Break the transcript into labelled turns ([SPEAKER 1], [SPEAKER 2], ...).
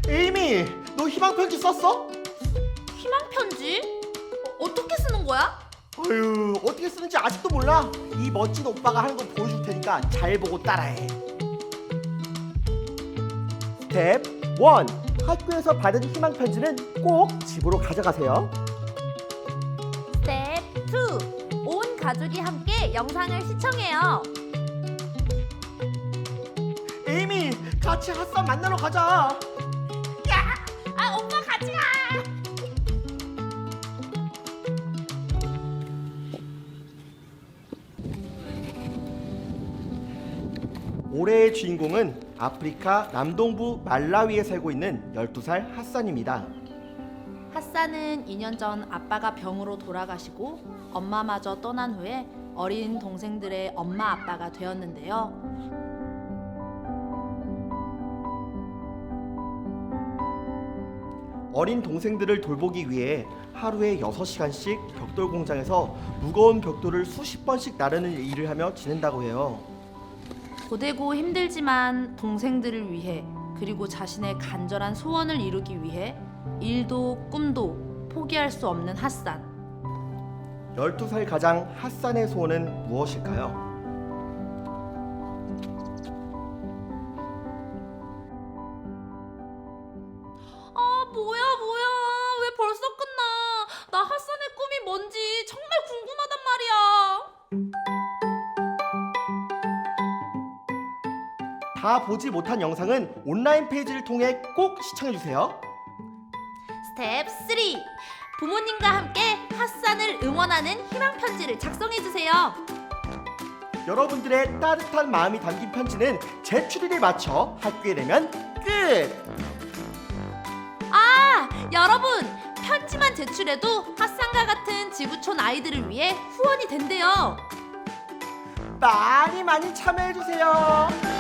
[SPEAKER 1] 에이미, 너 희망 편지 썼어?
[SPEAKER 2] 희망 편지? 어떻게 쓰는 거야?
[SPEAKER 1] 어휴, 어떻게 쓰는지 아직도 몰라? 이 멋진 오빠가 하는 거 보여줄 테니까 잘 보고 따라해. 스텝 1. 학교에서 받은 희망 편지는 꼭 집으로 가져가세요.
[SPEAKER 2] 스텝 2. 온 가족이 함께 영상을 시청해요.
[SPEAKER 1] 에이미, 같이 핫산 만나러 가자.
[SPEAKER 2] 오빠 같이 가!
[SPEAKER 1] 올해의 주인공은 아프리카 남동부 말라위에 살고 있는 12살 핫산입니다.
[SPEAKER 2] 핫산은 2년 전 아빠가 병으로 돌아가시고 엄마마저 떠난 후에 어린 동생들의 엄마 아빠가 되었는데요.
[SPEAKER 1] 어린 동생들을 돌보기 위해 하루에 6시간씩 벽돌 공장에서 무거운 벽돌을 수십 번씩 나르는 일을 하며 지낸다고 해요.
[SPEAKER 2] 고되고 힘들지만 동생들을 위해 그리고 자신의 간절한 소원을 이루기 위해 일도 꿈도 포기할 수 없는 핫산.
[SPEAKER 1] 12살 가장 핫산의 소원은 무엇일까요?
[SPEAKER 2] 뭐야 왜 벌써 끝나? 나 핫산의 꿈이 뭔지 정말 궁금하단 말이야.
[SPEAKER 1] 다 보지 못한 영상은 온라인 페이지를 통해 꼭 시청해주세요.
[SPEAKER 2] 스텝 3. 부모님과 함께 핫산을 응원하는 희망 편지를 작성해 주세요.
[SPEAKER 1] 여러분들의 따뜻한 마음이 담긴 편지는 제출일에 맞춰 학교에 내면 끝!
[SPEAKER 2] 여러분, 편지만 제출해도 핫산과 같은 지구촌 아이들을 위해 후원이 된대요.
[SPEAKER 1] 많이 참여해주세요.